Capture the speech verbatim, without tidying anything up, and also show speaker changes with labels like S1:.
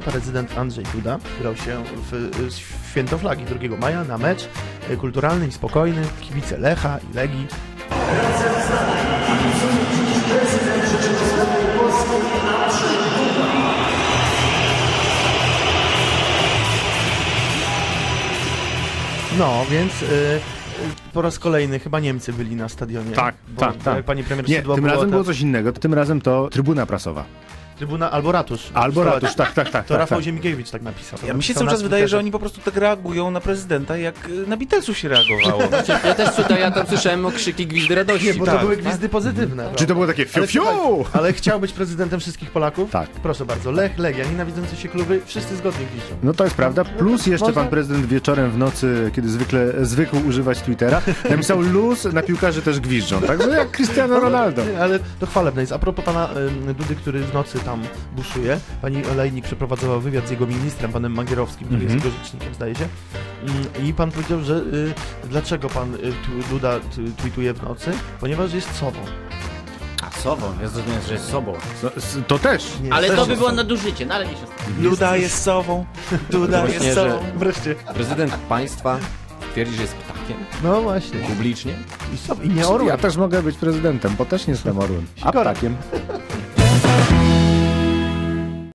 S1: prezydent Andrzej Duda wybrał się w święto flagi drugiego maja na mecz kulturalny i spokojny. Kibice Lecha i Legii. No, więc... Yy... Po raz kolejny chyba Niemcy byli na stadionie.
S2: Tak,
S1: bo,
S2: tak,
S1: bo
S2: tak.
S1: Jak pani premier
S2: Nie,
S1: Szydło
S2: tym
S1: było,
S2: razem
S1: to...
S2: było coś innego. Tym razem to trybuna prasowa.
S1: Trybuna albo ratusz.
S2: Albo
S1: To-
S2: ratusz, tak, tak, tak.
S1: To
S2: tak,
S1: Rafał
S2: tak.
S1: Ziemigiewicz tak napisał.
S3: Ja mi się
S1: Napisał
S3: cały
S1: na
S3: czas wydaje,
S1: Twitterze.
S3: że oni po prostu tak reagują na prezydenta, jak na Beatlesów się reagowało.
S4: Ja też tutaj, ja tam słyszałem okrzyki, gwizdy radości.
S1: Nie, bo to
S3: tak,
S1: były
S3: tak.
S1: gwizdy pozytywne.
S2: Czy to było takie fiu,
S1: Ale,
S2: fiu?
S1: słuchaj, ale chciał być prezydentem wszystkich Polaków?
S2: Tak.
S1: Proszę bardzo. Lech, Legia, nienawidzące się kluby, wszyscy zgodnie gwiżdżą.
S2: No to jest prawda. Plus jeszcze
S1: Można-
S2: pan prezydent wieczorem w nocy, kiedy zwykle zwykł używać Twittera, napisał luz, na piłkarzy też gwiżdżą. Także jak Cristiano Ronaldo.
S1: Nie, ale to chwalebne jest. A propos pana ym, Dudy, który w nocy tam buszuje, pani Olejnik przeprowadzała wywiad z jego ministrem, panem Magierowskim, który
S2: Mhm.
S1: jest jego rzecznikiem, zdaje się. Ym, I pan powiedział, że y, dlaczego pan y, tu- Duda t- tweetuje w nocy? Ponieważ jest sobą.
S4: A sobą, ja zrozumiałem, że jest sobą.
S2: No, s- to też.
S1: Nie,
S4: Ale
S1: też
S4: to by
S1: jest
S4: było
S1: sobą.
S4: nadużycie, no ale nie się stało.
S3: Duda jest sową, Duda
S5: Właśnie,
S3: jest
S5: że-
S3: sobą.
S1: Wreszcie.
S5: Prezydent państwa twierdzi, że jest ptakiem
S1: No właśnie.
S5: publicznie.
S1: I, sobą. I nie orłem.
S2: Ja też mogę być prezydentem, bo też nie jestem orłem. A
S1: Sikora.
S2: ptakiem.